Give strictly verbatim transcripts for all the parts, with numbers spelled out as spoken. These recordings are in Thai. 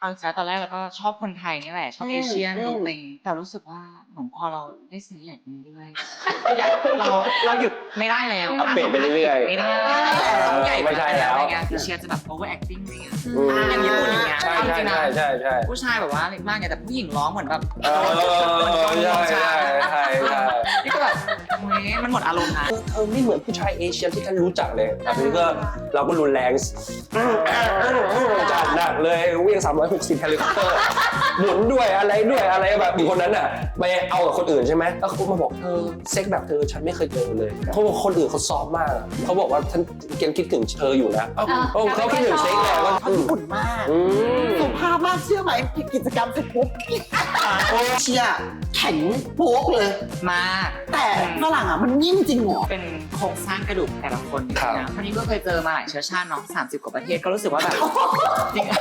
เอาจริงๆตอนแรกเราก็ชอบคนไทยนี่แหละชอบเอเชียนลุคนี้แต่รู้สึกว่าเหมือนพอเราได้ซื้ออย่างนี้ด้วยเราเราหยุดไม่ได้แล้วอัปเดตไปเรื่อยๆไม่ได้ต้องใหญ่ไม่ใช่แล้วอะไรเงี้ยเอเชียจะแบบ over acting อะไรเงี้ยอืมอย่างญี่ปุ่นอย่างเงี้ยใช่เอาจใช่ริงๆนะใช่ใช่ใช่ผู้ชายแบบว่าเล็กมากไงแต่ผู้หญิงร้องเหมือนแบบเออใช่ใช่ใช่ใช่นี่ก็แบบเฮ้ยมันหมดอารมณ์นะเธอไม่เหมือนผู้ชายเอเชียที่ฉันรู้จักเลยแต่นี้ก็เราก็รุนแรงจัดหนักเลยเวียงสามร้อยหกสิบเฮลิคอปเตอร์หมุนด้วยอะไรด้วยอะไรแบบคนนั้นอ่ะไปเอากับคนอื่นใช่ไหมแล้วเขามาบอกเธอเซ็กแบบเธอฉันไม่เคยเจอเลยเขาบอกคนอื่นเขาซอฟมากเขาบอกว่าฉันเกณฑ์คิดถึงเธออยู่นะเขาคิดถึงเซ็กแหละว่าเขาญี่ปุ่นมากสุภาพมากเชื่อไหมกิจกรรมเสร็จปุ๊บเชียแข็งโป๊กเลยมากแต่ฝรั่งอ่ะมันนิ่มจริงเหรอเป็นโครงสร้างกระดูกแต่ละคนนะท่านี้ก็เคยเจอมาหลายเชื้อชาติเนาะสามสิบกว่าประเทศก็รู้สึกว่าแบบจริง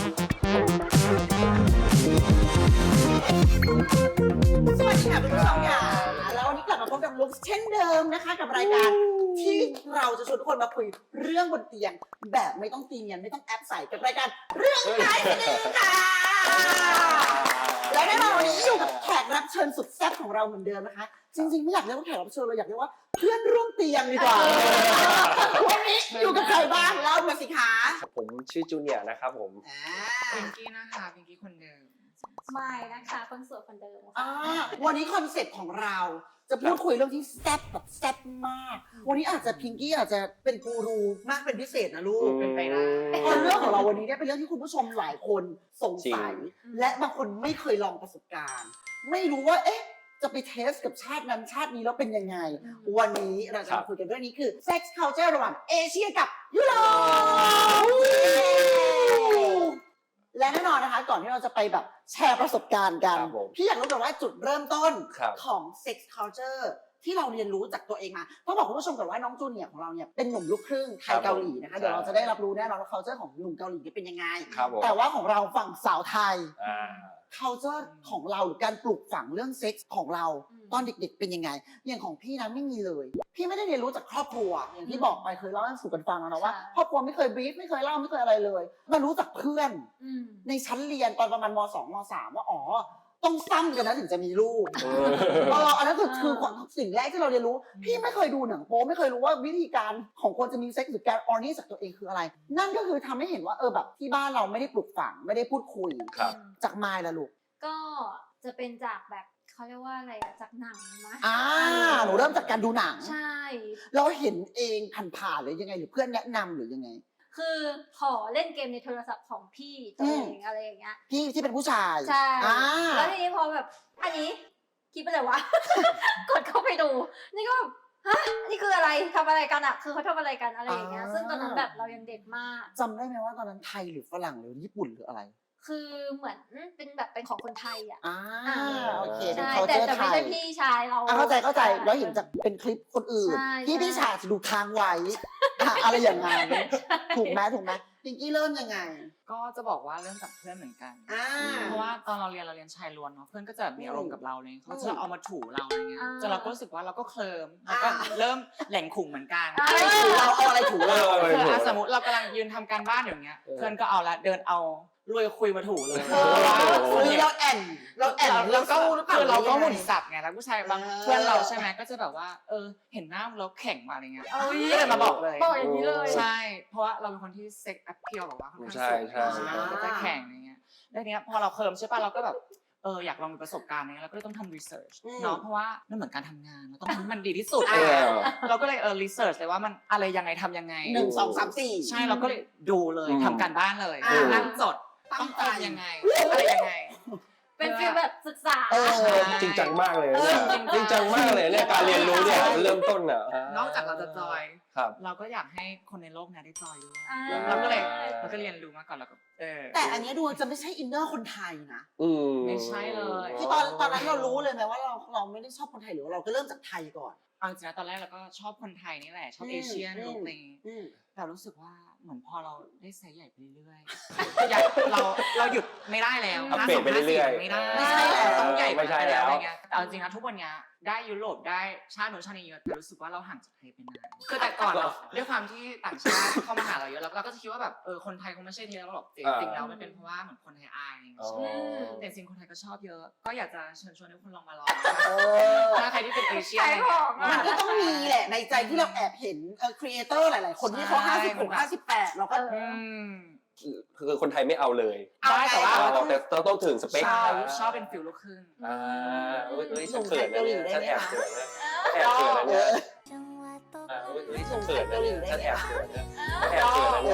สวัสดีค่ะคุณผู้ชมค่ะแล้ววันนี้กลับมาพบกับลุคเช่นเดิมนะคะกับรายการที่เราจะชวนทุกคนมาคุยเรื่องบนเตียงแบบไม่ต้องตีเนียนไม่ต้องแอปใส่กับรายการเรื่องไร้สนิทค่ะและแน่นอนวันนี้อยู่กับแขกรับเชิญสุดแซ่บของเราเหมือนเดิมนะคะจริงๆไม่อยากเรียกว่าแขกรับเชิญเราอยากเรียกว่าเพื่อนร่วมเตียงดีกว่าวันนี้อยู่กับใครบ้างเล่ามาสิคะผมชื่อจูเนียร์นะครับผมพิงกี้นะคะพิงกี้คนเดิมไม่นะคะคนสวยคนเดิมอ่าวันนี้คอนเซ็ปต์ของเราจะพูดคุยเรื่องที่แซ่บแบบแซ่บมาก วันนี้อาจจะพิงกี้อาจจะเป็นกูรูมากเป็นพิเศษนะลูกเป็นไปได้เพราะเรื่องของเราวันนี้เนี่ยเป็นเรื่องที่คุณผู้ชมหลายคนสงสัย และบางคนไม่เคยลองประสบการณ์ ไม่รู้ว่าเอ๊ะจะไปเทสกับชาตินั้นชาตินี้แล้วเป็นยังไง วันนี้เราจะมาคุยกันเรื่องนี้คือ sex culture ระหว่างเอเชียกับยุโรปและแน่นอนนะคะก่อนที่เราจะไปแบบแชร์ประสบการณ์กัน พี่อยากรู้ก่อนว่าจุดเริ่มต้นของ sex culture ที่เราเรียนรู้จากตัวเองมาต้องบอกคุณผู้ชมก่อนว่าน้องจูเนียร์ของเราเนี่ยเป็นหนุ่มลูกครึ่งไทยเกาหลีนะคะเดี๋ยวเราจะได้รับรู้แน่นอนว่า culture ของหนุ่มเกาหลีเป็นยังไงแต่ว่าของเราฝั่งสาวไทย culture ของเราหรือการปลูกฝังเรื่องเซ็กส์ของเราตอนเด็กๆเป็นยังไงอย่างของพี่นะไม่มีเลยพี่ไม่ได้เรียนรู้จากครอบครัวอย่างที่บอกไปเคยเล่าให้สู่กันฟังแล้วนะว่าครอบครัวไม่เคยบรีฟไม่เคยเล่าไม่เคยอะไรเลยมารู้จากเพื่อนในชั้นเรียนตอนประมาณมสองมสามว่าอ๋อต้องซ้ำกันนะถึงจะมีลูกเอออันนั้นคือคือสิ่งแรกที่เราเรียนรู้พี่ไม่เคยดูหนังโป๊ไม่เคยรู้ว่าวิธีการของคนจะมีเซ็กส์หรือการออร์นี่จากตัวเองคืออะไร นั่นก็คือทำให้เห็นว่าเออแบบที่บ้านเราไม่ได้ปลูกฝังไม่ได้พูดคุยจากมายละลูกก็จะเป็นจากแบบเขาเรียกว่าอะไรอะจากหนังนะอ่าหนูเริ่มจากการดูหนังใช่เราเห็นเองผ่านๆหรือยังไงหรือเพื่อนแนะนำหรือยังไงคือขอเล่นเกมในโทรศัพท์ของพี่ตัวเองอะไรอย่างเงี้ยพี่ที่เป็นผู้ชายใช่แล้วทีนี้พอแบบอันนี้คิดไปเลยวะ กดเข้าไปดูนี่ก็แบบฮะนี่คืออะไรทำอะไรกันอะคือเขาทำอะไรกันอะไรอย่างเงี้ยซึ่งตอนนั้นแบบเรายังเด็กมากจำได้ไหมว่าตอนนั้นไทยหรือฝรั่งหรือญี่ปุ่นหรืออะไรคือเหมือนเป็นแบบเป็นของคนไทยอ่ะอ่าโอเคใช่แต่แต่ไม่ใช่พี่ชายเราเข้าใจเข้าใจแล้วเห็นจากเป็นคลิปคนอื่นที่พี่ชายจะดูทางไว้อะไรอย่างงั้นถูกไหมถูกไหมพิงกี้เริ่มยังไงก็จะบอกว่าเริ่มจากเพื่อนเหมือนกันเพราะว่าตอนเราเรียนเราเรียนชายล้วนเนาะเพื่อนก็จะมีอารมณ์กับเราเลยเขาจะเอามาถูเราอะไรเงี้ยจนเราก็รู้สึกว่าเราก็เคลิ้มแล้วก็เริ่มแหล่งขุ่งเหมือนกันเราเอาอะไรถูเราสมมติเรากำลังยืนทำการบ้านอย่างเงี้ยเพื่อนก็เอาละเดินเอารวยคุยมาถูเลยคือเราแอนเราแอนเราก็คือเราก็หมุนสับไงแล้วผู้ชายบางเพื่อนเราใช่ไหมก็จะแบบว่าเออเห็นหน้าเราแข็งมาอะไรเงี้ยก็เลยมาบอกเลยบอกอย่างนี้เลยใช่เพราะว่าเราเป็นคนที่เซ็กแอปเพียวแบบว่าค่อนข้างสูงก็จะแข็งอะไรเงี้ยแล้วเนี้ยพอเราเคิร์มใช่ป่ะเราก็แบบเอออยากลองมีประสบการณ์นี้เราก็เลยต้องทำรีเสิร์ชเนาะเพราะว่ามันเหมือนการทำงานเราต้องทำให้มันดีที่สุดเราก็เลยเออรีเสิร์ชเลยว่ามันอะไรยังไงทำยังไงหนึ่งสองสามสี่ใช่เราก็เลยดูเลยทำการบ้านเลยนั่งจดต้องทำยังไงอะไรยังไงเป็นฟีลแบบศึกษาจริงจังมากเลยจริงจังมากเลยเนี่ยการเรียนรู้เนี่ยเริ่มต้นอ่ะนอกจากเราจะจอยเราก็อยากให้คนในโลกนี้ได้จอยด้วยเราก็เลยเราก็เรียนรู้มาก่อนแล้วก็เออแต่อันนี้ดูจะไม่ใช่อินเนอร์คนไทยนะไม่ใช่เลยคือตอนตอนนั้นเรารู้เลยไหมว่าเราเราไม่ได้ชอบคนไทยหรือเราก็เริ่มจากไทยก่อนเอาจริงๆตอนแรกเราก็ชอบคนไทยนี่แหละชอบเอเชียนลุคนี้แต่รู้สึกว่าเหมือนพอเราได้ไซส์ใหญ่ไปเรื่อยๆอยากเราเราหยุดไม่ได้แล้วอัปเดตไปเรื่อยๆไม่ได้ไม่ใช่แล้วต้องใหญ่ไม่ใช่แล้วอะไรเงี้ยแต่เอาจริงนะทุกวันเนี้ยได้ยุโรปได้ชาติโน้นชาตินี้เยอะแต่รู้สึกว่าเราห่างจากไทยไปนานคือแต่ก่อนเราด้วยความที่ต่างชาติเข้ามาหาเราเยอะแล้วเราก็จะคิดว่าแบบเออคนไทยคงไม่ใช่เทเราหรอกจริงๆแล้วมันเป็นเพราะว่าเหมือนคนไทยอายอะไรอย่างเงี้ยอ๋อแต่จริงคนไทยก็ชอบเยอะ ก็อยากจะเชิญชวนให้คุณลองมาลองเออถ้าใครที่เป็นเอเชียขายของมันก็ต้องมีแหละในใจที่เราแอบเห็นเออครีเอเตอร์หลาย ๆ คนที่เขาห้าสิบหกห้าสิบแปดเราก็อืมคือคนไทยไม่เอาเลยได้แต่ว่าเราต้องแต่เราต้องถึงสเปคใช่ชอบเป็นฟิลลูกครึ่งอ่าเอ้ยเอ้ยฉันเขินนะเนี่ยฉันแอบเขินนะแอบเอเขินนะเนี่ยออ่าเอ้ยเอ้ยฉันเขินนะเนี่ยฉันแอบเขินนะแอบเขินนะเอเนี่ย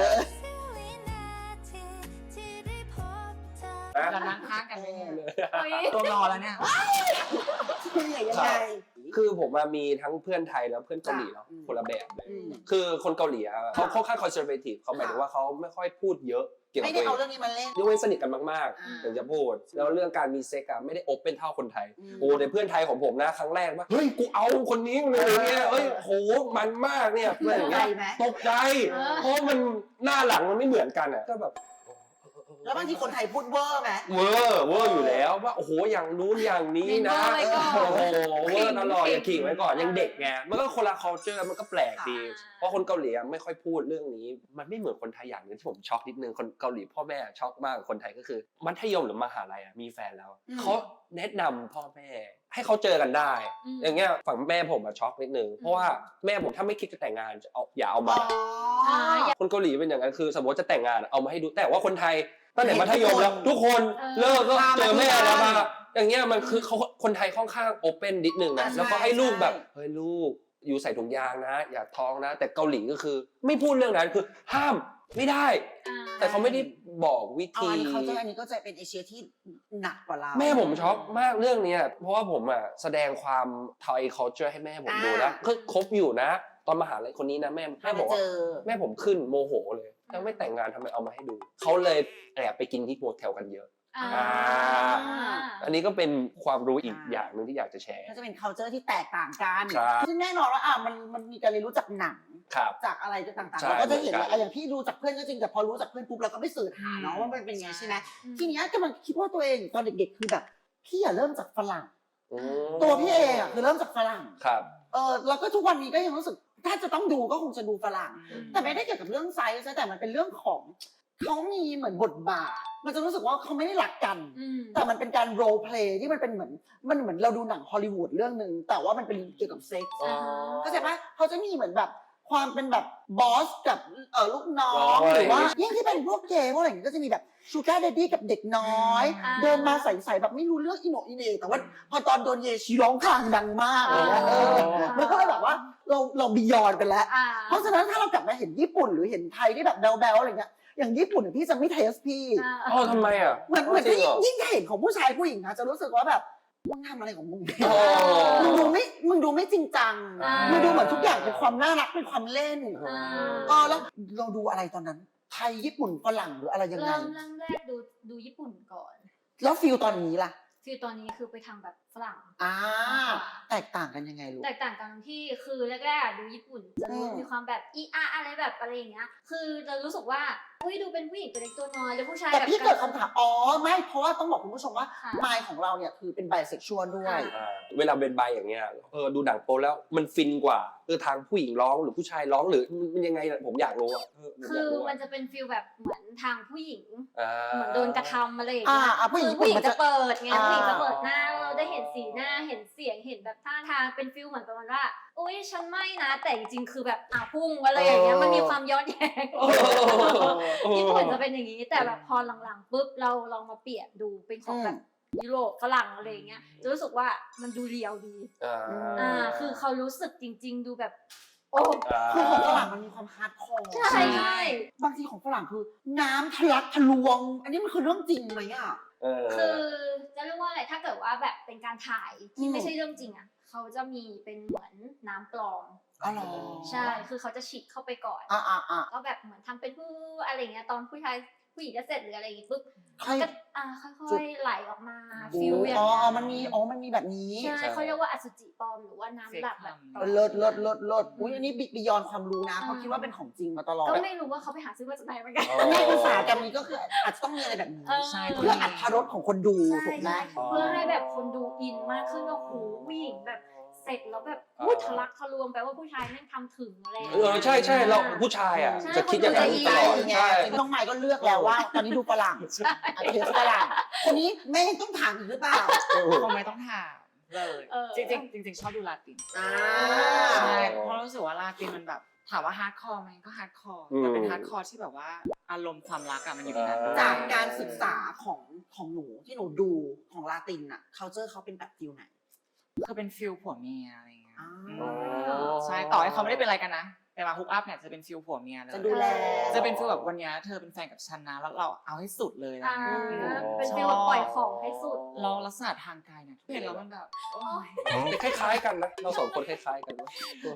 อเรานั่งข้างกันเลยเฮ้ยตัวงอแล้วเนี่ยคือยังไงคือผมมามีทั้งเพื่อนไทยแล้วเพื่อนเกาหลีเนาะอืมคนละแบบเลยอืมคือคนเกาหลีอะเขาค่อนข้างคอนเซอร์เวทีฟเขาหมายถึงว่าเขาไม่ค่อยพูดเยอะเกี่ยวกัไม่บได้ตัวเอาเอเรื่อง งนี้มาเล่นยกเว้นสนิทกันมากอ่าๆถึงจะพูด แล้วเรื่องการมีเซ็กอะไม่ได้โอเปนเท่าคนไทยอืมโอ้แต่เพื่อนไทยของผมนะครั้งแรกว่าเฮ้ยกูเอาคนนี้เลยเนี่ยเฮ้ยโหมันมากเนี่ยเพื่อนอย่างใจเงี้ยไหมตกใจเออเพราะมันหน้าหลังมันไม่เหมือนกันอ่ะก็แบบแล้วบางทีคนไทยพูดเวอร์ไหมเวอร์เวอร์อยู่แล้วว่าโอ้โหอย่างนู้นอย่างนี้นะเวอร์ไว้ก่อนโอ้โหเวอร์ตลอดขิงอย่าขิงไว้ก่อนยังเด็กไงมันก็คนละ culture มันก็แปลกดีอ่าเพราะคนเกาหลีไม่ค่อยพูดเรื่องนี้ มันไม่เหมือนคนไทยอย่างหนึงที่ผมช็อกนิดนึงคนเกาหลีพ่อแม่ช็อกมากคนไทยก็คือมัธยมหรือมหาลัยอะมีแฟนแล้วเขาแนะนำพ่อแม่ให้เขาเจอกันได้อืมอย่างเงี้ยฝั่งแม่ผมอะช็อกนิดนึงเพราะว่าแม่ผมถ้าไม่คิดจะแต่งงานจะเอาอย่าเอามาอ๋อคนเกาหลีเป็นอย่างนั้นคือสมมติจะแต่งงานเอามาให้ดูแต่ว่าคนไทยตั้งแต่เห็นมัธยมแล้วทุทุกกคคน นเลิกก็เออเจอแม่มาที่แล้วมาบ้านอย่างเงี้ยมันคือเขาคนไทยค่อนข้างโอเปนนิดนึงนะใช่แล้วก็ให้ลูกแบบใช่เฮ้ยลูกอยู่ใส่ถุงยางนะ อย่าท้องนะ แต่เกาหลีก็คือ ไม่พูดเรื่องนั้นคือห้ามไม่ได้อ่าแต่เขาไม่ได้บอกวิเอาธีอันนี้เขาจะอันนี้ก็จะเป็นเอเชียที่หนักกว่าเราแม่ผมช็อกมากเรื่องเนี้ยเพราะว่าผมอ่ะแสดงความไทย culture ให้แม่ผมดูนะคือคบอยู่นะ ตอนมหาลัยคนนี้นะแม่แม่ถ้าบไม่อกเจว่าอแม่ผมขึ้นโมโหเลยแล้วไม่แต่งงานทำไมเอามาให้ดู เขาเลยแอบไปกินที่โฮเทลกันเยอะอ่าอ่า อันนี้ก็เป็นความรู้อีกอ่าอย่างหนึ่งที่อยากจะแชร์ก็จะเป็น culture ที่แตกต่างกันครับซึ่งแน่นอนว่าอ่ะมันมันมีการเรียนรู้จากหนังครับจากอะไรต่างๆใช่เราก็จะเห็นเหมือนกันว่าอ่ะอย่างพี่รู้จากเพื่อนก็จริงแต่พอรู้จากเพื่อนปุ๊บเราก็ไปสืบหาเนาะว่ามันเป็นไงใช่ไหมทีเนี้ยกำลังคิดว่าตัวเองตอนเด็กๆคือแบบพี่อย่าเริ่มจากฝรั่งอืมตัวพี่เองอ่ะคือเริ่มจากฝรั่งครับเออแล้วก็ทุกวันนี้ก็ยังรู้สึกถ้าจะต้องดูก็คงจะดูฝรั่งอืมแต่ไม่ได้เกี่ยวกับเรื่องไซส์นะแต่มันเป็นเรื่องของเขามีเหมือนบทบาท มันจะรู้สึกว่าเขาไม่ได้รักกันอืมแต่มันเป็นการโรลเพลย์ที่มันเป็นเหมือนมันเหมือนเราดูหนังฮอลลีวูดเรื่องหนึ่งแต่ว่ามันเป็นเกี่ยวกับเซ็กส์อ๋อเข้าใจปะเขาจะมีเหมือนแบบความเป็นแบบบอสกับเออลูกน้อน้อง งหรือว่าอะไรอย่างงี้ยิ่งที่เป็นพวกเกย์พวกอะไรอย่างเงี้ยก็จะมีแบบชูการ์เดดดี้กับเด็กน้อยอ่าเดินมาใส่ๆแบบไม่รู้เรื่องอิโหนอิเหนแต่ว่าพอตอนโดนเยชีร้องคลางดังมากเลยนะเออมันก็เลยแบบว่าเราเราบียอนไปแล้วอ่าเพราะฉะนั้นถ้าเรากลับมาเห็นญี่ปุ่นหรือเห็นไทยที่แบบแบลๆอะไรเงี้ยอย่างญี่ปุ่นเนี่ยพี่จะไม่เทสพี่อ่าอ๋อทำไมอ่ะเหมือนเหมือนจริงที่เหรอยิ่งเห็นของผู้ชายผู้หญิงนะจะรู้สึกว่าแบบมึงทำอะไรของมึงอ๋อมึงดูไม่มึงดูไม่จริงจังอ่ามึงดูเหมือนทุกอย่างเป็นความน่ารักเป็นความเล่นอ่าเออแล้วเราดูอะไรตอนนั้น ไทยญี่ปุ่นฝรั่งหรืออะไรยังไงเริ่มเริ่มแรกดูดูญี่ปุ่นก่อนแล้วฟิลตอนนี้ล่ะคือตอนนี้คือไปทางแบบฝรั่งอ่าแตกต่างกันยังไงลูกแตกต่างกันที่คือแรกๆอะดูญี่ปุ่นจะรู้อืมมีความแบบอีอาอะไรแบบอะไรอย่างเงี้ย คือจะรู้สึกว่าอุ้ยดูเป็นผู้หญิงตัวเล็กตัวน้อยแล้วผู้ชายแต่แบบพี่เกิดคำถามอ๋อไม่เพราะว่าต้องบอกคุณผู้ชมว่าค่ะมายของเราเนี่ยคือเป็นไบเซ็กชวลด้วยอ่าเวลาเป็นใบอย่างเงี้ยเออดูหนังโป๊แล้วมันฟินกว่าเออทางผู้หญิงร้องหรือผู้ชายร้องหรือมันยังไงอะผมอยากรู้อ่ะเออผมคืยาอกรู้มันอะจะเป็นฟิลแบบเหมือนทางผู้หญิงอ่าเหมือนโดนกระทำอะไรอย่างอ่าเงี้ยอ่าผู้หญิงคือผู้หญิงมันจะจะเปิดไงอ่าผู้หญิงจะเปิดหน้าเราได้เห็นสีหน้าเห็นเสียงเห็นแบบท่าทางเป็นฟิลเหมือนประมาณว่าอุ้ยฉันไม่นะแต่จริงๆคือแบบอ่ะพุ่งอะไรอย่างเงี้ยมันมีความย้อนแย้งโอ้โหญี่ปุ่นจะเป็นอย่างนี้แต่แบบพอหลังๆปุ๊บเราลองมาเปลี่ยนดูเป็นของแบบยุโรปฝรั่งอะไรอย่างเงี้ยจะรู้สึกว่ามันดูเรียวดีอ่าอ่าคือเขารู้สึกจริง ๆ ดูแบบ โอ้คือของฝรั่งมันมีความฮาร์ดคอร์ใช่ใช่บางทีของฝรั่งคือน้ำทะลักทะลวง อันนี้มันคือเรื่องจริงไหมอ่ะเออคือจะเรียกว่าอะไรถ้าเกิดว่าแบบเป็นการถ่ายที่อืมไม่ใช่เรื่องจริงอ่ะเขาจะมีเป็นเหมือนน้ำปลอมอ๋อเหรอใช่ คือเขาจะฉีดเข้าไปก่อนอ่าอ่าอ่าก็แบบเหมือนทำเป็นผู้อะไรเงี้ยตอนผู้ชายผผู้หญิงจะเสร็จหรืออะไรอย่างงี้ปุ๊บค่อยก็อ่าค่อยๆไหลออกมาฟิลอย่างอ๋อเงี้ยมันมีอ๋อมันมีแบบนี้ใช่เขาเรียกว่าอสุจิปลอมหรือว่าน้ำหลักแบบเลิศเลิศเลิศเลิศอุ้ยอันนี้บิยอนความรู้นะเพราะคิดว่าเป็นของจริงมาตลอดก็ไม่รู้ว่าเขาไปหาซื้อมาจากไหนเหมือนกันในอุตสาหกรรมนี้ก็คืออาจจะต้องมีอะไรแบบนี้เออใช่เพื่ออัตรสของคนดูถูกไหมเพื่อให้แบบคนดูอินมากขึ้นว่าโหผู้หญิงแบบเสร็จแล้วแบบพูดทะลักทะลวงแปลว่าผู้ชายแม่งทำถึงอะไรอย่างเอเงี้ยอใช่ใช่เราผู้ชายอ่ะใช่จะคิดอย่างนั้นใจตลอดไงใช่น้องไมค์ก็เลือกแล้วว่า ตอนนี้ดูฝรั่งอาจจะเป็นฝรั่งคนนี้แม่ต้องถามอีกหรือเปล่าคงไม่ต้องถามเลยเออจริงๆจริงๆชอบดูลาตินอ่าใช่เพราะรู้สึกว่าลาตินมันแบบถามว่าฮาร์ดคอร์ไหมก็ฮาร์ดคอร์แต่เป็นฮาร์ดคอร์ที่แบบว่าอารมณ์ความรักอะมันอยู่ในนั้นด้วยจากการศึกษาของของหนูที่หนูดูของลาตินอะ culture เขาเป็นแบบฟิลไหนคือเป็นฟิลผัวเมียอะไรอย่างเงี้ยอ่าอืมใช่ต่อให้เขาไม่ได้เป็นอะไรกันนะแต่มาฮุกอัพเนี่ยจะเป็นฟิลผัวเมียเลยจะดูแลจะเป็นฟิลแบบวันเนี้ยเธอเป็นแฟนกับฉันนะแล้วเราเอาให้สุดเลยนะอ่าเป็นฟีลแบบปล่อยของให้สุดเราลักษณะทางกายเนี่ยเห็นแล้วมันแบบโอ๊ยคล้ายๆกันนะเราสองคนคล้ายๆกันนะ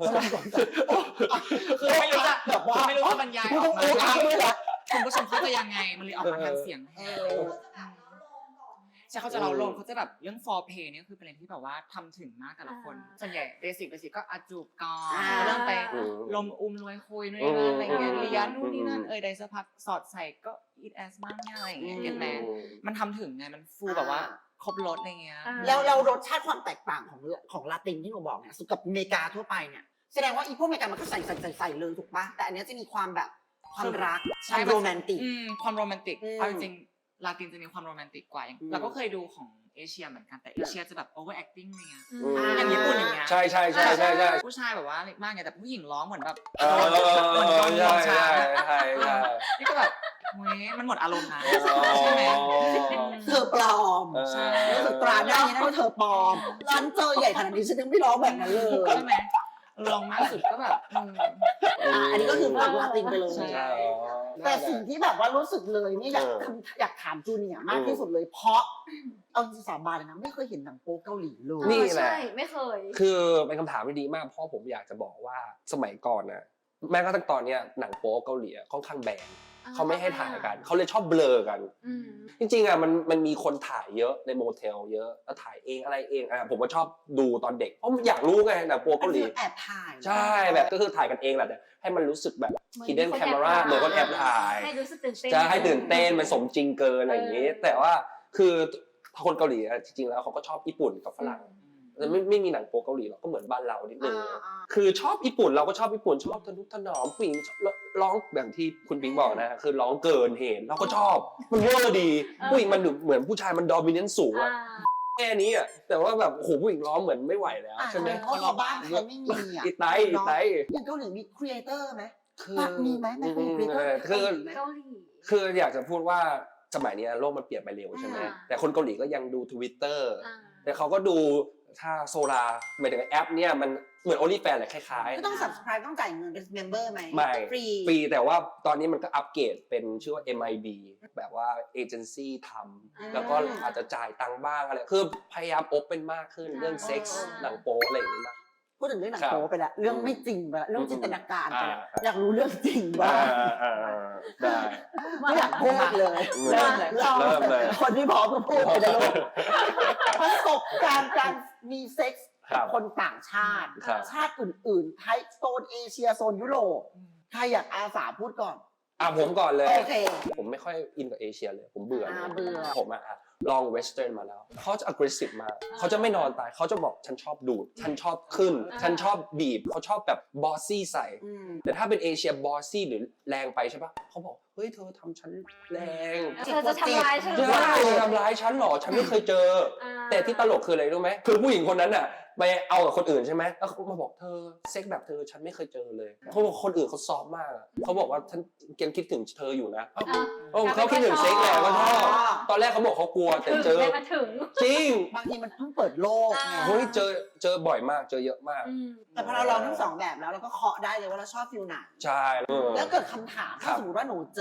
คือไม่รู้จะแบบว่าไม่รู้จะบรรยายออกมาพูดตรงๆเลยอะคุณผู้ชมเขาจะยังไงมันเลยออกมาทางเสียงเอแทนอใช่เขาจะเราลงเขาจะแบบเรื่อง foreplay เนี่ยคือเป็นอะไรที่แบบว่าทำถึงมากแต่ละคนอ่าส่วนใหญ่เบสิกเบสิกก็อาจูบก่อนอ่าเริ่มไปอืมลมอุ้มรวยคุยนู่นนี่นั่นอะไรเงี้ยอืมเลียนนู่นนี่นั่นอืมเอยได้สักพักสอดใส่ก็ eat as มากง่ายอะไรอย่างเงี้ยอืมเก็ตไหมมันทำถึงไงมันฟูแบบว่าครบรสอะไรเงี้ยอ่าแล้วเรารสชาติความแตกต่างของของลาตินที่หนูบอกเนี่ยกับอเมริกาทั่วไปเนี่ยแสดงว่าอีพวกอเมริกามันก็ใส่ใส่ใส่ใส่เลยถูกปะแต่อันเนี้ยจะมีความแบบความรักใช่ความโรแมนติกอืมความโรแมนติกอืมเอาจริงๆลาตินจะมีความโรแมนติกกว่าอย่างอืมเราก็เคยดูของเอเชียเหมือนกันแต่เอเชียจะแบบ over acting อะไรเงี้ยอือืมอย่างญี่ปุ่นอย่างเงี้ยใช่ใช่ใช่ใช่ใช่ผู้ชายแบบว่าเล็กมากไงแต่ผู้หญิงร้องเหมือนแบบเออเหมือนโดนลใช่งชาใช่ใช่ใช่นี่ก็แบบเฮ้ยมันหมดอารมณ์นะอ๋อใช่ไหมเธอปลอมเออใช่รู้สึกตราได้ยังไงว่าเธอปลอมฉันเจอใหญ่ขนาดนี้ฉันยังไม่ร้องแบบนั้นเลยใช่ไหมลองมากสุดก็แบบเอออ่ะอันนี้ก็คือฝั่งลาตินไปเลยใช่ใช่อ๋อแต่สิ่งที่แบบว่ารู้สึกเลยนี่อยากเออคำอยากถามจูเนียร์มากที่สุดเลย เพราะเอาจริงๆสาบานเลยนะไม่เคยเห็นหนังโป๊เกาหลีเลยนี่แหละใช่ไม่เคยคือเป็นคำถามที่ดีมากเพราะผมอยากจะบอกว่าสมัยก่อนนะแม้กระทั่งตอนเนี้ยหนังโป๊เกาหลีอะค่อนข้างแบนเขาไม่ให้ถ่ายกันเขาเลยชอบเบลอกันอืมจริงๆอ่ะมันมันมีคนถ่ายเยอะในโมเทลเยอะแล้วถ่ายเองอะไรเองอ่ะผมก็ชอบดูตอนเด็กเพราะอยากรู้ไงหนังโป๊เกาหลีแอบถ่ายใช่แบบก็คือถ่ายกันเองแหละแต่ให้มันรู้สึกแบบเหมือน hidden มีคน camera เหมือนคนแอบถ่ายให้รู้สึกตื่นเต้นจะให้ตื่นเต้นมันสมจริงเกินอะไรอย่างนี้เออแต่ว่าคือคนเกาหลีอะจริงๆแล้วเขาก็ชอบญี่ปุ่นกับฝรั่งแต่ไม่ไม่มีหนังโป๊เกาหลีหรอกก็เหมือนบ้านเรานิดนึงอ่าอ่าคือชอบญี่ปุ่นเราก็ชอบญี่ปุ่นชอบทะนุถนอมผู้หญิงชอบร้องแบบที่คุณปิงบอกนะคือร้องเกินเหตุเราก็ชอบมันเวอร์ดีผู้หญิงมันเหมือนผู้ชายมันดอมิเนนต์สูงอ่าอะแค่นี้อะแต่ว่าแบบโอ้โหผู้หญิงร้องเหมือนไม่ไหวแล้วอ่ะใช่ไหมเพราะเราบ้านใครไม่มีอ่ะอีไตอีไตอย่างเกาหลีมีครีเอเตอร์ไหมคือปะมีไหมไม่เคยมีเออคือเกาหลีคืออยากจะพูดว่าสมัยนี้โลกมันเปลี่ยนไปเร็วใช่ไหมอ่าแต่คนเกาหลีก็ยังดู Twitter อ่าแต่เขาก็ดูถ้าโซลาหมายถึงแอปเนี่ยมันเหมือน OnlyFans แหละคล้ายก็ต้อง subscribe ต้องจ่ายเงินเป็น member ไหมไม่ฟรีๆฟรีแต่ว่าตอนนี้มันก็อัปเกรดเป็นชื่อว่า เอ็ม ไอ บี แบบว่าเอเจนซี่ทอ่าำแล้วก็อาจจะจ่ายตังค์บ้างอะไรคือพยายามโอเปนมากขึ้นเรื่องเซ็กส์หนังโป๊อะไรอย่างนี้มากพูดถึงเรื่องหนังครับโป๊ไปแล้วเรื่องไม่จริงไปแล้วเรื่องจินตนาการไปแล้วอ่าอยากรู้เรื่องจริงบ้างอ่าได้ไม่อยากพูดเลยเริ่มเลยเริ่มเริ่มเลยคนที่พร้อมก็พูดไปเลยลูกประสบการณ์การมีเซ็กส์ครักับบ คนต่างชาติครับชาติอื่นๆไทยโซนเอเชียโซนยุโรปใครอยากอาสาพูดก่อนอ่ะผมก่อนเลยโอเคผมไม่ค่อยอินกับเอเชียเลย ผมเบื่ออ่าเบื่อผมอะอะลองเวสเทิร์นมาแล้ว เขาจะ aggressive มากเขาจะไม่นอนตาย เขาจะบอกฉันชอบดูด ฉันชอบขึ้นอ่าฉันชอบบีบ เขาชอบแบบบอสซี่ใส่อืมแต่ถ้าเป็นเอเชียบอสซี่หรือแรงไปใช่ปะเขาบอก เฮ้ย เธอทำฉันแรงเธอจะทำร้ายฉันหรือเปใช่ล่าทำร้ายฉันเหรอ ฉันไม่เคยเจออ่าแต่ที่ตลกคืออะไรรู้ไหมคือผู้หญิงคนนั้นน่ะไปเอากับคนอื่นใช่ไหมแล้วเขามาบอกเธอเซ็กแบบเธอฉันไม่เคยเจอเลยเขาบอกคนอื่นเขาซอฟต์มากอะเขาบอกว่าฉันยังคิดถึงเธออยู่นะเอ้าอ่าเออเขาคิดถึงเซ็กแหละก็ชอบตอนแรกเขาบอกเขากลัวแต่ถึงเจอได้มาถึงจริงบางทีมันเพิ่งเปิดโลกไงอ่าเฮ้ยเจอเจอบ่อยมากเจอเยอะมากอืมแต่พอเราลองทั้งสองแบบแล้วเราก็เคาะได้เลยว่าเราชอบฟิลไหนใช่เออแล้วเกิดคำถามครัถ้าบสมมติว่าหนูเจ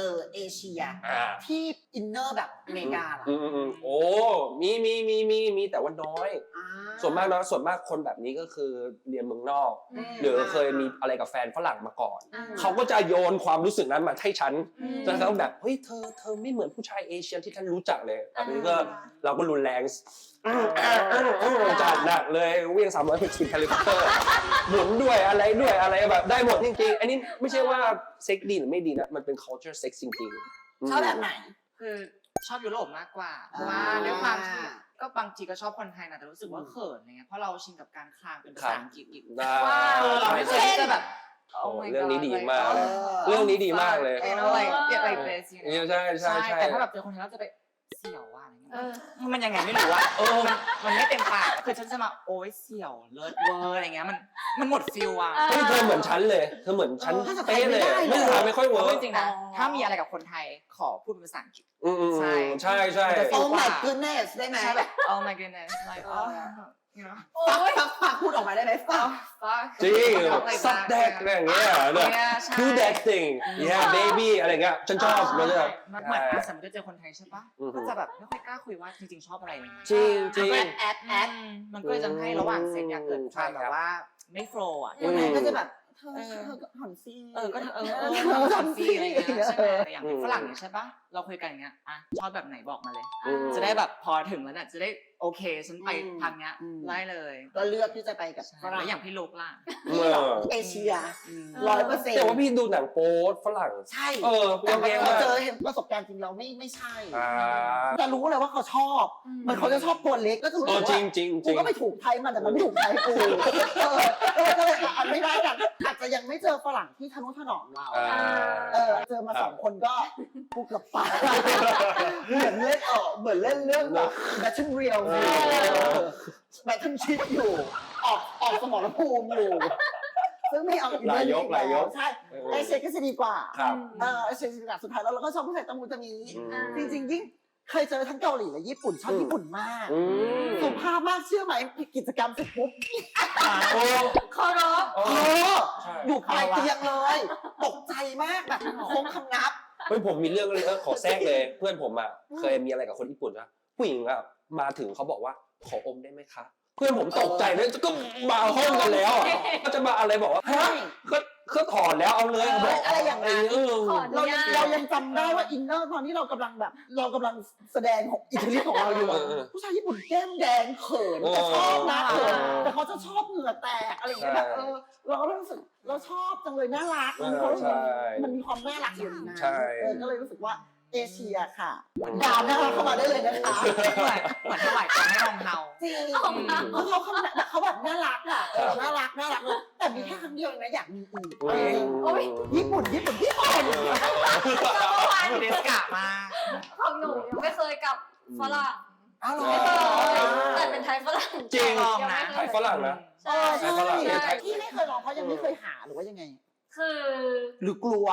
จอเอเชียอ่าที่อินเนอร์แบบอเมริกาล่ะอืมอืมอืมโอ้มีมีมีมีมีแต่ว่าน้อยอ่าส่วนมากเนาะส่วนมากคนแบบนี้ก็คือเรียนเมืองนอกอืมหรือเคยมีอะไรกับแฟนฝรั่งมาก่อนอืมเขาก็จะโยนความรู้สึกนั้นมาให้ฉันอืมจนเขาแบบเฮ้ยเธอเธอไม่เหมือนผู้ชายเอเชียที่ฉันรู้จักเลยแบบนี้ก็เราก็รุนแรงจัดหนักเลยเวียงสามร้อยหกสิบเฮลิคอปเตอร์หมุนด้วยอะไรด้วยอะไรแบบได้หมดจริงๆอันนี้ไม่ใช่ว่าเซ็กดีหรือไม่ดีนะมันเป็น culture sex จริงๆชอบแบบไหนคือชอบยุโรปมากกว่า เพราะว่าด้วยความที่ก็บางทีก็ชอบคนไทยนะแต่รู้สึกว่าเขินอะไรเงี้ยเพราะเราชินกับการคลางเป็นภาษาอังกฤษอีกได้ว้าวเออเราไม่เคยที่จะแบบโอ้ Oh my เรื่องนี้ God ดี like มากเลยเออเรื่องนี้ดีมากเลยเออ like get like this you เนี่ย know ใช่ใช่ใช่ใช่แต่ถ้าแบบเจอคนไทยเราจะไปเสี่ยวว่าอะไรเงี้ยเออมันยังไงไม่รู้อะเออมันมันไม่เต็มปากคือฉันจะมาโอ้ยเสี่ยวเลิศเวอร์อะไรเงี้ยมันมันหมดฟิลอะเออเฮ้ยเธอเหมือนฉันเลยเธอเหมือนฉันเออภาษาไทยเป๊ะเลยไม่ได้เลยไม่ทำไม่ค่อยเวิพูร์ดกจริงๆนะอ๋อถ้ามีอะไรกับคนไทยขอพูดเป็นภาษาอังกฤษอืมอืมใช่ใช่ใช่โอ้ my goodness ได้ไหมใช่แบบ oh my goodness like oh you know โอ้ฟักยฟักฟักพูดออกมาได้ไหมฟัก oh fuck จริง Like ซับ that แดกอะไรอย่างเงี้ยเนอะ Yeah ใช่ do that thing yeah baby อะไรเงี้ยฉันชอบมันจะแบบมันเหมือนอ่ะสมมติเจอคนไทยใช่ปะอือฮึก็จะแบบไม่ค่อยกล้าคุยว่าจริงๆชอบอะไรอย่างเงี้ยจริงจริงมันก็แอดแอดมันก็เลยทำให้ระหว่างเซ็กเนี่ยเกิดความแบบว่าไม่โฟล์อ่ะอืมก็จะแบบเธอเออเธอก็หันซี่เออก็เออเออเธเอออหัทำนซีซี่อะไรอย่างเงี้ยใช่ไหมเออแต่อย่างฝรั่งเนี่ยใช่ปะเราคุยกันอย่างเงี้ยอ่ะชอบแบบไหนบอกมาเลยอืมจะได้แบบพอถึงแล้วเนี่ยจะได้โอเคฉันไปอืมทางเนี้ยอืมไล่เลยก็เลือกที่จะไปกับใช่ฝรั่แล้งวอย่างพี่ลูกล่ะที่แบบเอเชียอืมร้อยเปอร์เซ็นต์แต่ว่าพี่ดูหนังโป๊ฝรั่งใช่เออแต่โอเคพอมากเจอเห็นประสบการณ์จริงเราไม่ไม่ใช่อ่าจะรู้เลยว่าเขาชอบอืมเหมือนเขาจะชอบตัวเล็กก็จะรู้เอสึอก จริว่างจริงจกูริงก็ไปถูกไทยมันแต่มันไม่ถูกไทยกูเออเออก็เลยอันไม่ได้กันอาจจะยังไม่เจอฝรั่งที่ทะนุถนอมเราอ่าเออเจอมาสองคนก็กูเกับตายเหมือนเล่นเออเหมือนเล่นเรื่องแบบแบทเทิลเรียลแบทเทิลชิปอยู่ ออกออกสมรภูมิอยู่ ซึ่งไม่เอาอีกหลายยกเรื่องหลายยกใช่เออไอเชคก็จะดีกว่าครับเออไอเชคจะดีกว่าสุดท้ายแล้วเราก็ชอบผู้ชายตะมูตะมีอืมจริงๆยิ่งเคยเจอทั้งเกาหลีและญี่ปุ่นชอบอืมญี่ปุ่นมากอืมสุภาพมากเชื่อไหมกิจกรรมเสร็จปุ๊บโอ้เคารพโอ้เออใช่อยู่ปลายเตียงเลย ตกใจมากแบบโค้งคำนับเฮ้ยผมมีเรื่องเลยขอแทรกเลย เพื่อนผมอ่ะเคยมีอะไรกับคนญี่ปุ่นนะผู้หญิงอ่ะมาถึงเขาบอกว่าขออมได้ไหมคะ เพื่อนผมตกใจเลยก็มาห้องกันแล้วอ่ะก็จะมาอะไรบอกว่าฮะก็ก็ถอดแล้วเอาเลยเขาบอกอะไรอย่างนั้นเออถอดเรายังเรายังจำได้ว่าอินเนอร์ตอนที่เรากำลังแบบ เรากำลังแสดงของอิทธิฤทธิ์ของเราอยู่อะเออเออผู้ชายญี่ปุ่นแก้มแดงเขินเออแต่ชอบนะเขินเออแต่เขาจะชอบเหงื่อแตกอะไรอย่างเงี้ยแบบใช่เออเราก็รู้สึกเราชอบจังเลยน่ารักมันเออเขารู้สึกใช่มันมีความน่ารักอยู่ในนั้นใช่เออก็เลยรู้สึกว่าเอเชียค่ะดาวน่ารักเข้ามาได้เลยนะคะเหมือนเหมือนถวายของให้รองเท้าจริงอืมเพราะเขาเขาแบบเขาแบบน่ารักอ่ะเออน่ารักน่ารักเลยแต่มีแค่ครั้งเดียวเองนะอยากมีอีกอืมโอ้ยญี่ปุ่นญี่ปุ่นญี่ปุ่นเดสกะมาของหนูยังไม่เคยกับฝรั่งอ้าวเหรอไม่เคยแต่เป็นไทยฝรั่งจริงลองนะไทยฝรั่งนะเออใช่ฝรั่งใช่ที่ไม่เคยลองเพราะยังไม่เคยหาหรือว่ายังไงคือหรือกลัว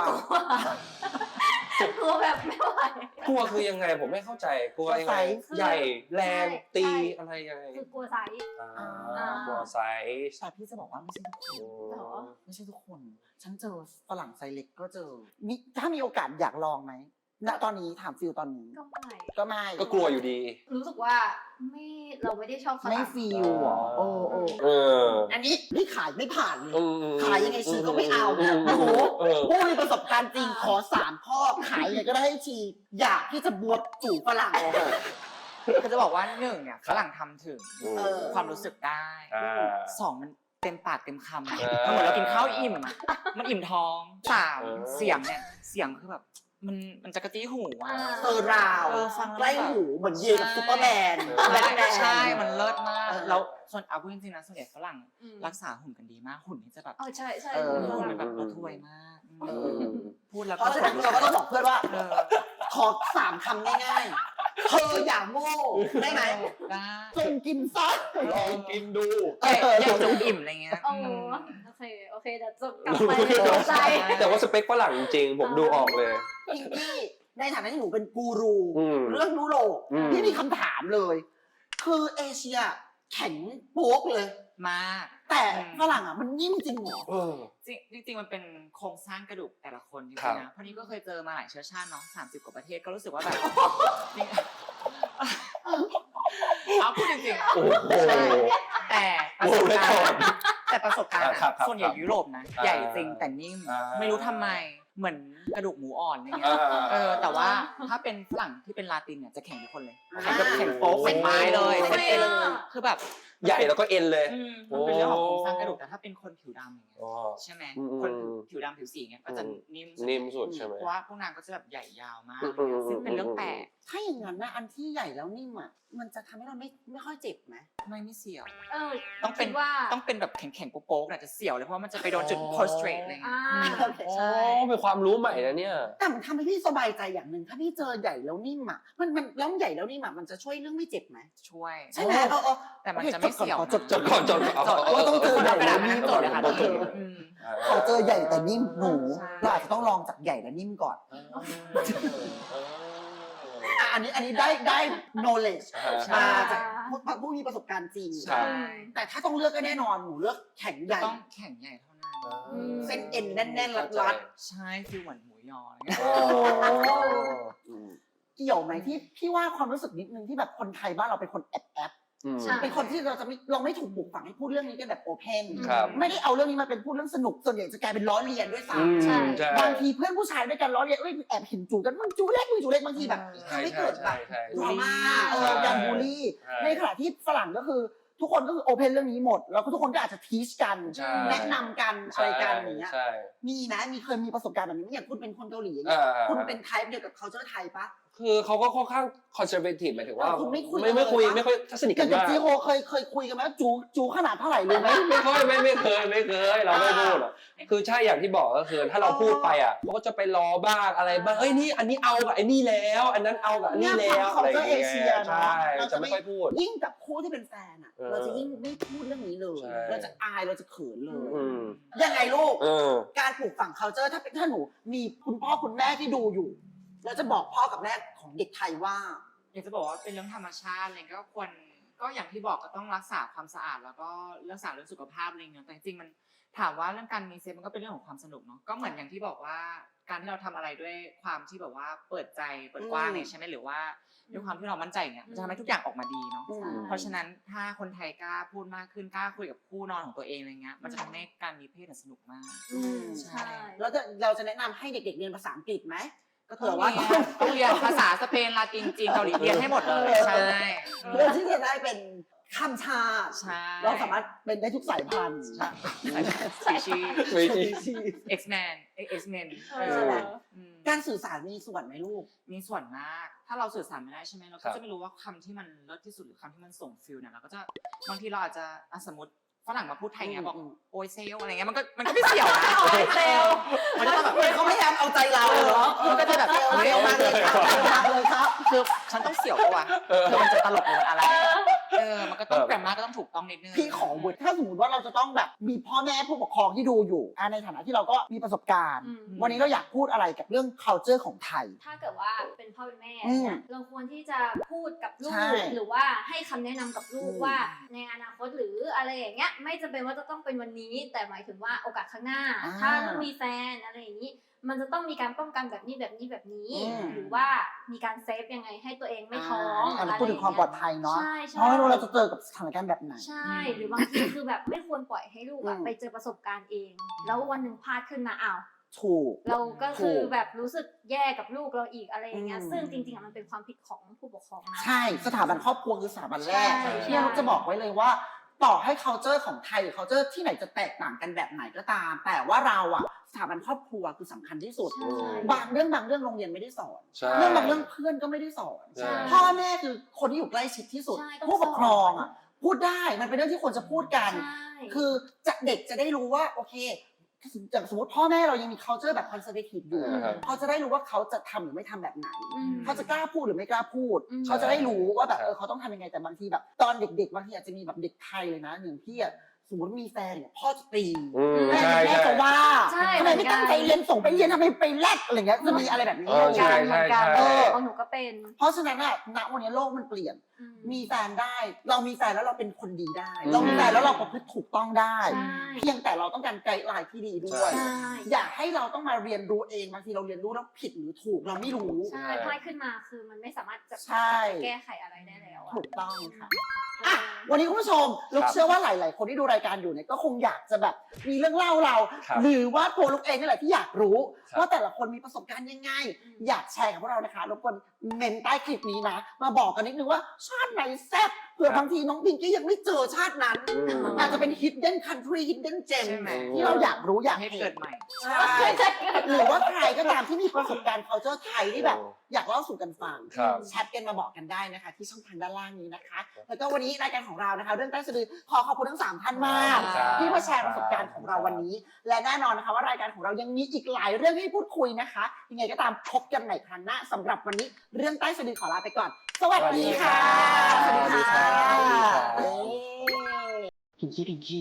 กลัวแบบไม่ไหวกลัวคือยังไงผมไม่เข้าใจกลัวยังไงคือใหญ่แรงใช่ตีใช่อะไรยังไงคือกลัวไซส์อ่าอ่ากลัวไซส์แต่พี่จะบอกว่าไม่ใช่ทุกคนเหรอไม่ใช่ทุกคน ฉันเจอฝรั่งไซส์เล็กก็เจอมีถ้ามีโอกาสอยากลองไหมณตอนนี้ถามฟิลตอนนี้ก็ไม่ก็ไม่ก็กลัวอยู่ดีรู้สึกว่าไม่เราไม่ได้ชอบฝไม่รั่งฟิลอ่ะโอ้โอ้เอออันนี้พี่ขายไม่ผ่านเลยอืมขายยังไงชีก็ไม่เอามโอ้โหเออผู้มีประสบการณ์จริงขอสามข้อขายยังไงก็ได้ให้ชีอยากที่จะบวชจู่ฝรั่งคือจะบอกว่าหนึ่งเนี่ยฝรั่งทำถึงเออความรู้สึกได้อ่าสองมันเต็มปากเต็มคำอะเออมันเหมือนเรากินข้าวอิ่มอะมันอิ่มท้องสามเออเสียงเนี่ยเสียงคือแบบมันมันจะกระตี้หูอะเซอร์ราวเออฟังแล้วใกล้หูเหมือนเยกับซูเปอร์แมนเออแบทแมนใช่มันเลิศมากเออแล้วส่วนเอาพูดจริงๆนะส่วนใหญ่ฝรั่งอืมรักษาหุ่นกันดีมากหุ่นนี่จะแบบเออใช่ใช่เออหุ่นมันแบบระทวยมากเออพูดแล้วเพก็ราะฉะนั้นเราก็ต้องบอกเพื่อนว่าเออขอสามคำง่ายๆ เธออย่าโง่ได้ไหมได้จงกินซะลองกินดูเอ้ยอยากจะอิ่มอะไรเงี้ยโอ้อืมโอเคโอเคเดี๋ยวจบกลับไปในหัวใจแต่ว่าสเปคฝรั่งจริงๆผมดูออกเลยพิงกี้ในฐานะที่หนูเป็นกูรูอืมเรื่องยุโรปอืมพี่มีคำถามเลย คือเอเชียแข็งโป๊กเลยมากแต่ฝรั่งอ่ะมันนิ่มจริงเหรอเออจริงจริงๆมันเป็นโครงสร้างกระดูกแต่ละคนจริครังบๆนะเพราะนี่ก็เคยเจอมาหลายเชื้อชาติเนาะสามสิบกว่าประเทศก็รู้สึกว่าแบบจริงเอาพูดจริงๆโอ้โหแต่ประสบการณ์แต่ประสบการณ์ครับครับส่วนใหญ่ยุโรปนะอ่าใหญ่จริงแต่นิ่มอ่าไม่รู้ทำไมเหมือนกระดูกหมูอ่อนอะไรเงี้อ่ายเออแต่ว่าถ้าเป็นฝรั่งที่เป็นลาตินเนี่ยจะแข็งทุกคนเลยแข็งแบบแข็งโป๊กเป็นไม้เลยโอ้เป็นเอ็นคือแบบใหญ่แล้วก็เอ็นเลยอืมมันเป็นเรื่องของโครงสร้างกระดูกแต่ถ้าเป็นคนผิวดำอย่างเงี้ยอ๋อใช่ไหมอืมคนผิวดำผิวสีเงี้ยก็จะอืมนิ่มนิ่มสุดใช่ไหมเพราะว่าพวกนางก็จะแบบใหญ่ยาวมากอืมอืมซึ่งเป็นเรื่องแปลกถ้าอย่างนั้นนะอันที่ใหญ่แล้วนิ่มอ่ะมันจะทำให้เราไม่ไม่ค่อยเจ็บไหมไม่ไม่เสียวเออต้องเป็นคิดว่าต้องเป็นแบบแข็งๆโป๊กๆน่ะจะเสียวเลยเพราะว่ามันจะไปโดนจุด prostrate อะไรเงี้ยอ่าอืมโอเคอ๋อใช่เป็นความรู้ใหม่นะเนี่ยแต่มันทำให้พี่สบายใจอย่างหนึ่งถ้าพี่เจอใหญ่แล้วนิ่มอ่ะมันมันแล้วใหญ่แล้วนิ่มอ่ะมันจะช่วยเรื่องไม่เจ็บไหมช่วยใช่ไหมเออเออแต่มันจะไม่เสียวขอจดจดก่อนจดก่อนจดว่าต้องเจอคนใหญ่เอากระดาษมาแล้วนิ่นั่มงจดเลยค่ะก่อนต้องอืมขอเจอใหญ่แต่นิ่มหนูใช่เราอาจจะต้องลองจากใหญ่และนิ่มก่อนอ่ะอันนี้อันนี้ได้ได้ knowledge ใช่มาจากผู้ผู้มีประสบการณ์จริงใช่แต่ถ้าต้องเลือกก็แน่นอนหนูเลือกแข็งใหญ่ต้องแข็งใหญ่เท่านั้นอืมเส้นเอ็นแน่นๆรัดใช่คือเหมือนหมูยออะไรเงี้ยๆโอ้เกี่ยวไหมที่พี่ว่าความรู้สึกนิดนึงที่แบบคนไทยบ้านเราเป็นคนแอบแอบอืมใช่เป็นคนที่เราจะไม่เราไม่ถูกปลูกฝังให้พูดเรื่องนี้กันแบบโอเพนครับไม่ได้เอาเรื่องนี้มาเป็นพูดเรื่องสนุกส่วนใหญ่จะกลายเป็นล้อเลียนด้วยซ้อืมใช่ใช่ำบางทีเพื่อนผู้ชายด้วยกันล้อเลียนเอ้ยแอบเห็นจูกันมึงจูเล็กมึงจูเล็กบางทีแบบใช่ทำให้ใช่เกิดแบใช่บใช่ดราม่าเอใช่อการบูลลี่ใช่ในขณะที่ฝรั่งก็คือทุกคนก็คือโอเพนเรื่องนี้หมด แล้วก็ทุกคนก็อาจจะทีชกันใช่แนะนำกันอะไรกันอย่างเงี้ยใช่มีนะมีเคยมีประสบการณ์แบบนี้อย่างคุณเป็นคนเกาหลีอย่างเงี้ยอ่าคุณเป็นไทป์เดียวกับ culture ไทยปะคือเขาก็ค่อนข้างคอนเซอร์เวทีฟหมายถึงว่าเออคุณไม่คุยไม่ไม่คุยเลยปะไม่ค่อยถ้าสนิทกักัน นกับมากจีโฮเคยเคยคุยกันไหมจูจูขนาดเท่าไหร่เลยไหมไม่ไม่ค่อยไม่ไม่เคยไม่เคยเราไม่พูดหรอกคือใช่อย่างที่บอกก็คือถ้าเราพูดไปอ่ะเขาก็จะไปล้อบ้างอะไรบ้างเอ้ยนี่อันนี้เอากับไอ้นี่แล้ว อันนั้นเอากับอันนี้แล้วของอะไรอย่างเอเงี้เชียยเนาะใช่เราจะไม่ค่อยพูดยิ่งกับคู่ที่เป็นแฟนอ่ะเออเราจะยิ่งไม่พูดเรื่องนี้เลยใช่เราจะอายเราจะเขินเลยอืมยังไงลูกเออการปลูกฝัง culture ถ้าเป็นถ้าหนูมีคุณพ่อคุณแม่ที่ดูอยู่เราจะบอกพ่อกับแม่ของเด็กไทยว่าอยากจะบอกว่าเป็นเรื่องธรรมชาติอะไรก็ควรก็อย่างที่บอกก็ต้องรักษาความสะอาดแล้วก็รักษาเรื่องสุขภาพอะไรเงี้ยแต่จริงๆมันถามว่าเรื่องการมีเซ็กมันก็เป็นเรื่องของความสนุกเนาะก็เหมือนอย่างที่บอกว่าการที่เราทำอะไรด้วยความที่แบบว่าเปิดใจเปิดกว้างเนี่ยใช่ไหมหรือว่าด้วยความที่เรามั่นใจเนี่ยมันจะทำให้ทุกอย่างออกมาดีเนาะอืมเพราะฉะนั้นถ้าคนไทยกล้าพูดมากขึ้นกล้าคุยกับคู่นอนของตัวเองอะไรเงี้ยมันจะทำให้การมีเพศสนุกมากอืมใช่ใช่แล้วจะเราจะแนะนำให้เด็กๆเรียนภาษาอังกฤษไหมก็ต้องเรียนต้องเรียนภาษาสเปนลาตินจีนเกาหลีเรียนให้หมดเลยใช่เพื่อที่จะได้เป็นข้ามชาติใช่เราสามารถเป็นได้ทุกสายพันธุ์สีชีไม่ใช่ X-Men X-Men เออใช่ไหมอืมการสื่อสารมีส่วนไหมลูกมีส่วนมาก ถ้าเราสื่อสารไม่ได้ใช่ไหมเราครัก็บจะไม่รู้ว่าคำที่มันเลิศที่สุดหรือคำที่มันส่งฟิลเนี่ยเราก็จะบางทีเราอาจจะอ่ะสมมติฝรั่งมาพูดไทยเงี้ยบอกอืมโอยเซลอะไรเงี้ยมันก็มันก็ไม่เสี่ยวนะโอยเซลมันก็แบบเหมือนเขาพยายามเอาใจเราเหรอมันก็จะแบบเอาเฮ้ยเอามาเลยครับเอามาเลยครับคือฉันต้องเสี่ยวปะวะคือมันจะตลกหรือมันอะไรเออมันก็ต้องแกรมมาก็ต้องถูกต้องนิดนึงพี่ขอบุตรถ้าสมมติว่าเราจะต้องแบบมีพ่อแม่ผู้ปกครองที่ดูอยู่อ่ะในฐานะที่เราก็มีประสบการณ์อืมวันนี้เราอยากพูดอะไรกับเรื่อง culture ของไทยถ้าเกิดว่าเป็นพ่อเป็นแม่อืมเนี่ยเราควรที่จะพูดกับลูใช่กหรือว่าให้คำแนะนำกับลูกอืมว่าในอนาคตหรืออะไรอย่างเงี้ยไม่จำเป็นว่าจะต้องเป็นวันนี้ แต่หมายถึงว่าโอกาสข้างหน้าอ่าถ้าลูกมีแฟนอะไรอย่างนี้ มันจะต้องมีการป้องกันแบบนี้แบบนี้แบบนี้อืมหรือว่ามีการเซฟยังไงให้ตัวเองไม่ท้องอ่าเราพูดถึงความปลอดภัยเนาะใช่ใช่เพราะไม่รู้เราจะเจอกับสถานการณ์แบบไหนใช่ หรือบางทีคือแบบไม่ควรปล่อยให้ลูกอะอืมไปเจอประสบการณ์เอง แล้ววันหนึ่งพลาดขึ้นมาอ้าวถูกเราก็คือถูกแบบรู้สึกแย่กับลูกเราอีกอะไรอย่างเงี้ยอืมซึ่งจริงๆอะมันเป็นความผิดของผู้ปกครองนะใช่สถาบันครอบครัวคือสถาบันแรกใช่ที่เราจะบอกไว้เลยว่า ต่อให้ culture ของไทยหรือ culture ที่ไหนจะแตกต่างกันแบบไหนก็ตาม แต่ว่าเราอะสถาบันครอบครัวคือสำคัญที่สุดใช่บางเรื่องบางเรื่องโรงเรียนไม่ได้สอนใช่เรื่องบางเรื่องเพื่อนก็ไม่ได้สอนใช่พ่อแม่คือคนที่อยู่ใกล้ชิดที่สุดใช่ต้องผู้ปกครองสอนอ่ะพูดได้มันเป็นเรื่องที่ควรจะพูดกันใช่คือจะเด็กจะได้รู้ว่าโอเคจากสมมติพ่อแม่เรายังมี culture แบบ conservative อยู่อ่าครับเขาจะได้รู้ว่าเขาจะทำหรือไม่ทำแบบไหนอืมเขาจะกล้าพูดหรือไม่กล้าพูดอืมเขาจะได้รู้ว่าแบบใช่เออเขาต้องทำยังไงแต่บางทีแบบ ตอนเด็กๆบางทีอาจจะมีแบบเด็กไทยเลยนะอย่างพี่อะสมมติมีแฟนเนี่ยพ่อจะตีอืมแม่ใช่แม่ใช่จะว่าใช่ขไมไม่ตั้งใจเรียนส่งไปเรียนทำไมไปแลกอะไรเงี้ยจะมีอะไรแบบนี้เออใช่ใช่ใช่เออของหนูก็เป็นเพราะฉะนั้นอะณวันนี้โลกมันเปลี่ยนอืมมีแฟนได้ เรามีแฟนแล้วเราเป็นคนดีได้อืมเรามีแฟนแล้วเราประพฤติถูกต้องได้ใช่เพียงแต่เราต้องการไกด์ไลน์ที่ดีด้วยใช่อย่าให้เราต้องมาเรียนรู้เองบางทีเราเรียนรู้แล้วผิดหรือถูกเราไม่รู้ใช่พลาดขึ้นมาคือมันไม่สามารถจะใช่แก้ไขอะไรได้แล้วอะถูกต้องค่ะอ่ะอ่ะวันนี้คุณผู้ชมลูกเชื่อว่าหลาย ๆ คนที่ดูรายการอยู่เนี่ยก็คงอยากจะแบบมีเรื่องเล่าเราครับหรือว่าตัวลูกเองนี่แหละที่อยากรู้ครับว่าแต่ละคนมีประสบการณ์ยังไงอืมอยากแชร์กับพวกเรานะคะรบกวนเมนใต้คลิปนี้นะ มาบอกกันนิดนึงว่าชาติไหนแซ่บเผื่อบางทีน้องพิงกี้ยังไม่เจอชาตินั้นอืมอาจจะเป็น hidden country hidden gem ใช่ไหมที่เราอยากรู้อยากให้เห็เกินดใหม่ใช่หรือว่าใครก็ตามที่มีประสบการณ์ culture ไทยที่แบบ อยากเล่าสู่กันฟังครับแชทกันมาบอกกันได้นะคะ ที่ช่องทางด้านล่างนี้นะคะ แล้วก็วันนี้รายการของเรานะคะ เรื่องใต้สะดือขอขอบคุณทั้งสามท่านมากครับที่มาแชร์ประสบการณ์ของเราวันนี้ และแน่นอนนะคะว่ารายการของเรายังมีอีกหลายเรื่องให้พูดคุยนะคะยังไงก็ตามพบกันใหม่ครั้งหน้าสำหรับวันนี้เรื่องใต้สะดือขอลาไปก่อน สวัสดีค่ะสวัสดีค่ะเย้พิงกี้พิงกี้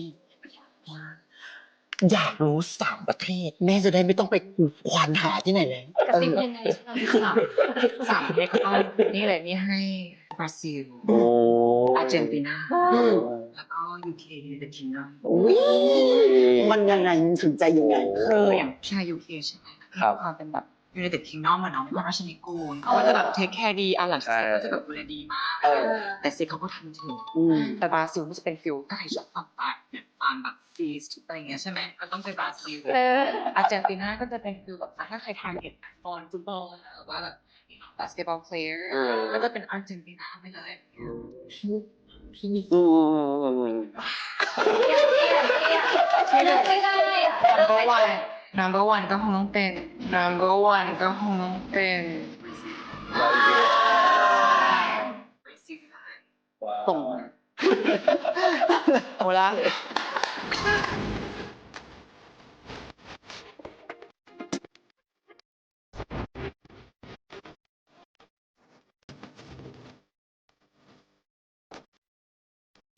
อยากรู้สามประเทศ แม่จะได้ไม่ต้องไปควานหาที่ไหนเลยกระซิบยังไงสามประเทศก็นี่เลยนี่ให้บราซิลโอ้อาร์เจนตินาอืมแล้วก็ยูเคเดอะคิงดอมอุ๊ยมันยังไงมันถึงใจยังไงคืออย่างชายยูเคใช่ไหมครับความเป็นแบบยูไนเต็ดคิงดอมอะเนาะเป็นราชนิกูลเขาก็จะแบบเทคแคร์ดีอาหลังใช่ก็จะแบบดูแลดีมากเออแต่ซิเขาก็ทำถึงอืมแต่บราซิลมันจะเป็นฟิลถ้าใครชอบฝั่งใต้เนี่ยตามแบบฟีสอะไรอย่างเงี้ยใช่ไหมก็ต้องไปบราซิลเอออาร์เจนตินาก็จะเป็นฟิลแบบถ้าใครทานเห็นฟอนฟุตบอลหรือว่าแบบบาสเกตบอลเพลย์อืมก็จะเป็นอาร์เจนตินาไปเลยพี่อืมเทียบเทียบเทียบไม่ได้อะ number one number one ก็คงต้องเป็น number one ก็คงต้องเป็นว้าวส่งโอละ